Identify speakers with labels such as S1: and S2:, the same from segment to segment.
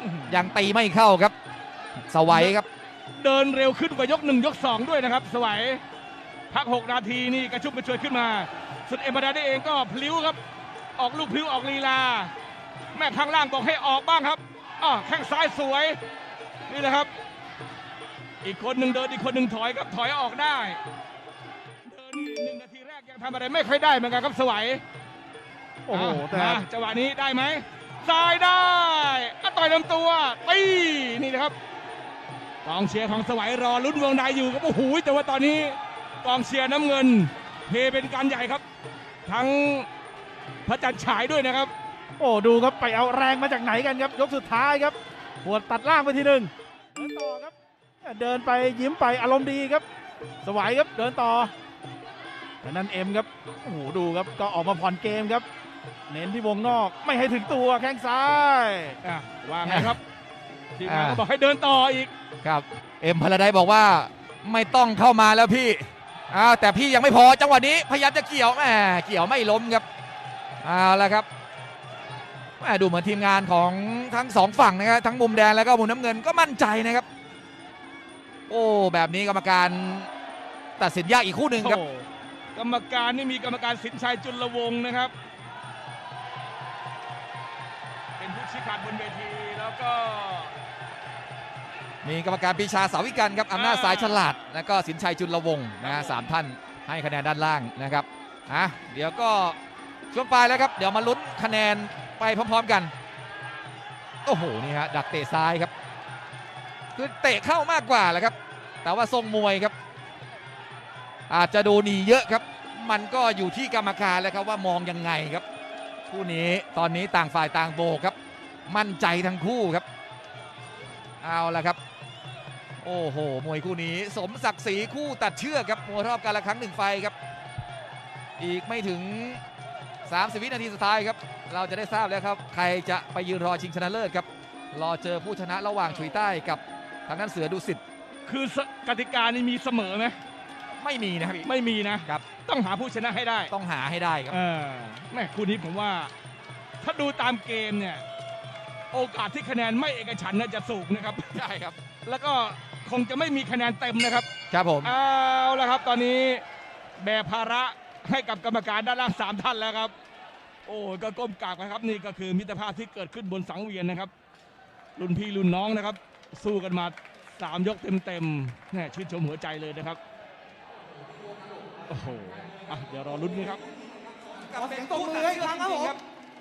S1: ยังตีไม่เข้าครับสวัยครับ
S2: เดินเร็วขึ้นกว่ายก1ยก2ด้วยนะครับสวัยพัก6นาทีนี่กระชุ่มกระชวยขึ้นมาสุดเอ็มบาดาได้เองก็พลิ้วครับออกลูกพลิ้วออกลีลาแม่ข้างล่างบอกให้ออกบ้างครับแข้งซ้ายสวยนี่แหละครับอีกคนหนึ่งเดินอีกคนหนึ่งถอยครับถอยออกได้เดิน1นาทีแรกยังทำอะไรไม่ค่อยได้เหมือนกันครับสวัย
S3: โอ้โหแต่
S2: จังหวะนี้ได้ไหมซ้ายได้ต่อยลำตัวตีนี่นะครับกองเชียร์ของสวัยรอลุ้นวงในอยู่ครับโอ้โหแต่ว่าตอนนี้กองเชียร์น้ำเงินเฮเป็นการใหญ่ครับทั้งพระจันทร์ฉายด้วยนะครับ
S3: โอ้ดูครับไปเอาแรงมาจากไหนกันครับยกสุดท้ายครับหัวตัดล่างไปทีหนึ่งเดินต่อครับเดินไปยิ้มไปอารมณ์ดีครับสวัยครับเดินต่อแต่นั้นเอ็มครับโอ้โหดูครับก็ออกมาผ่อนเกมครับเน้นที่วงนอกไม่ให้ถึงตัวแข้งซ้าย
S2: ว่าไงครับทีมงานก็บอกให้เดินต่ออีก
S1: ครับเอ็มพลาไดบอกว่าไม่ต้องเข้ามาแล้วพี่แต่พี่ยังไม่พอจังหวะนี้พยายามจะเกี่ยวเกี่ยวไม่ล้มครับเอาละครับดูเหมือนทีมงานของทั้งสองฝั่งนะครับทั้งมุมแดงแล้วก็มุมน้ำเงินก็มั่นใจนะครับโอ้แบบนี้กรรมการตัดสินยากอีกคู่หนึ่งครับ
S2: กรรมการนี่มีกรรมการสินชัยจุลวงศ์นะครับเป็นผู้ชี้ขาดบนเวทีแล้วก็
S1: มีกรรมการปีชาสาวิกันครับอำนาจสายฉลาดแล้วก็สินชัยจุลวงศ์นะสามท่านให้คะแนนด้านล่างนะครับเดี๋ยวก็ช่วงปลายแล้วครับเดี๋ยวมาลุ้นคะแนนไปพร้อมๆกันโอ้โหนี่ฮะดักเตะซ้ายครับคือเตะเข้ามากกว่าแหละครับแต่ว่าทรงมวยครับอาจจะดูหนีเยอะครับมันก็อยู่ที่กรรมการแล้วครับว่ามองยังไงครับคู่นี้ตอนนี้ต่างฝ่ายต่างโบกครับมั่นใจทั้งคู่ครับเอาละครับโอ้โหมวยคู่นี้สมศักดิ์ศรีคู่ตัดเชือกครับมวยรอบการละครั้ง1 ไฟครับอีกไม่ถึง30 วินาทีสุดท้ายครับเราจะได้ทราบแล้วครับใครจะไปยืนรอชิงชนะเลิศครับรอเจอผู้ชนะระหว่างฉุยใต้กับทางด้านเสือดุสิต
S2: คือกติกานี่มีเสมอไหม
S1: ไม่มีนะครับ
S2: ไม่มีนะครับต้องหาผู้ชนะให้ได้
S1: ต้องหาให้ได้ครับ
S2: แม่คู่นี้ผมว่าถ้าดูตามเกมเนี่ยโอกาสที่คะแนนไม่เอกฉันท์น่าจะสูงนะครับ
S1: ใช่ครับ
S2: แล้วก็คงจะไม่มีคะแนนเต็มนะครับ
S1: ครับผม
S2: เอาละครับตอนนี้แบกภาระให้กับกรรมการด้านล่าง3 ท่านแล้วครับโอ้ก็ก้มกราบนะครับนี่ก็คือมิตรภาพที่เกิดขึ้นบนสังเวียนนะครับรุ่นพี่รุ่นน้องนะครับสู้กันมา3 ยกเต็มๆเนี่ยชื่นชมหัวใจเลยนะครับโอ้โหเดี๋ยวรอลุ้นกันครับ
S4: ขอเสียงตบมือให้ครั้งครับผม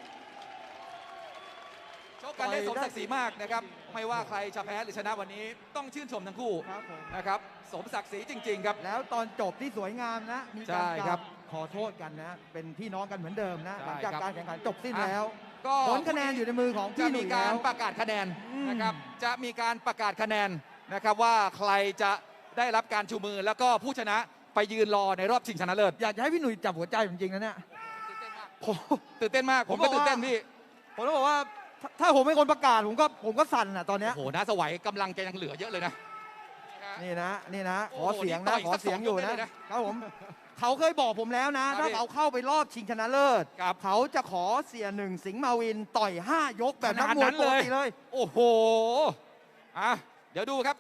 S1: ชกกันได้สมศักดิ์ศรีมากนะครับไม่ว่าใครจะแพ้หรือชนะวันนี้ต้องชื่นชมทั้งคู่นะครับสมศักดิ์ศรีจริงๆครับ
S4: แล้วตอนจบที่สวยงามนะมีการขอโทษกันนะเป็นพี่น้องกันเหมือนเดิมนะหลังจากการแข่งขันจบสิ้นแล้วก็ผลคะแนนอยู่ในมือของพี่หนุ่ยแล้ว
S1: จะมีการประกาศคะแนนนะครับจะมีการประกาศคะแนนนะครับว่าใครจะได้รับการชูมือแล้วก็ผู้ชนะไปยืนรอในรอบชิงชนะเลิศ
S4: อยากจะให้พี่หนุ่ยจับหัวใจจริงๆนะเนี่ย
S1: ตื่นเต้นมากผมก็ตื่นเต้นพี่
S4: ผมต้องบอกว่าถ้าผมเป็นคนประกาศผมก็สั่นตอนนี้
S1: โอ้โหน้าสวัยกำลังจะยังเหลือเยอะเลยนะ
S4: นี่นะขอเสียงนะขอเสียงอยู่นะครับผมเขาเคยบอกผมแล้วนะถ้าเขาเข้าไปรอบชิงชนะเลิศเขาจะขอเสีย1 สิงห์มาวินต่อย5 ยกแบบนักมวยปกติเลย
S1: โอ้โหเดี๋ยวดูครับ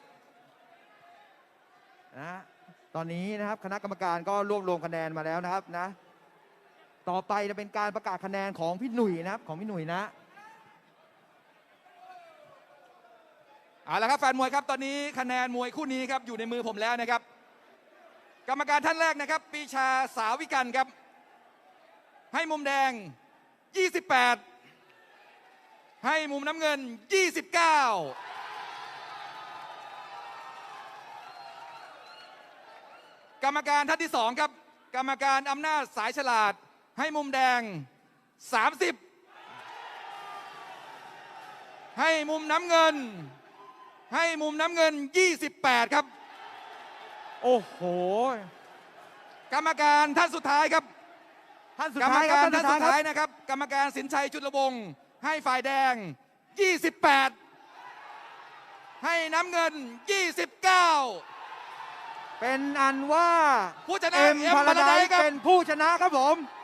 S4: นะตอนนี้นะครับคณะกรรมการก็รวบรวมคะแนนมาแล้วนะครับนะต่อไปจะเป็นการประกาศคะแนนของพี่หนุ่ยนะครับของพี่หนุ่ยนะ
S1: เอาละครับแฟนมวยครับตอนนี้คะแนนมวยคู่นี้ครับอยู่ในมือผมแล้วนะครับกรรมการท่านแรกนะครับปีชาสาวิกันครับให้มุมแดง28ให้มุมน้ำเงิน29กรรมการท่านที่2ครับกรรมการอำนาจสายฉลาดให้มุมแดง30ให้มุมน้ำเงิน28ครับ
S4: โอ้โห
S1: กรรมการท่านสุดท้ายครับกรรมการท่านสุดท้ายนะครับกรรมการสินชัยจุลวงศ์ให้ฝ่ายแดง28ให้น้ำเงิน29
S4: เป็นอันว่า
S1: ผู้ชนะ
S4: เอ็มพาราไดซ์เป็นผู้ชนะครับผม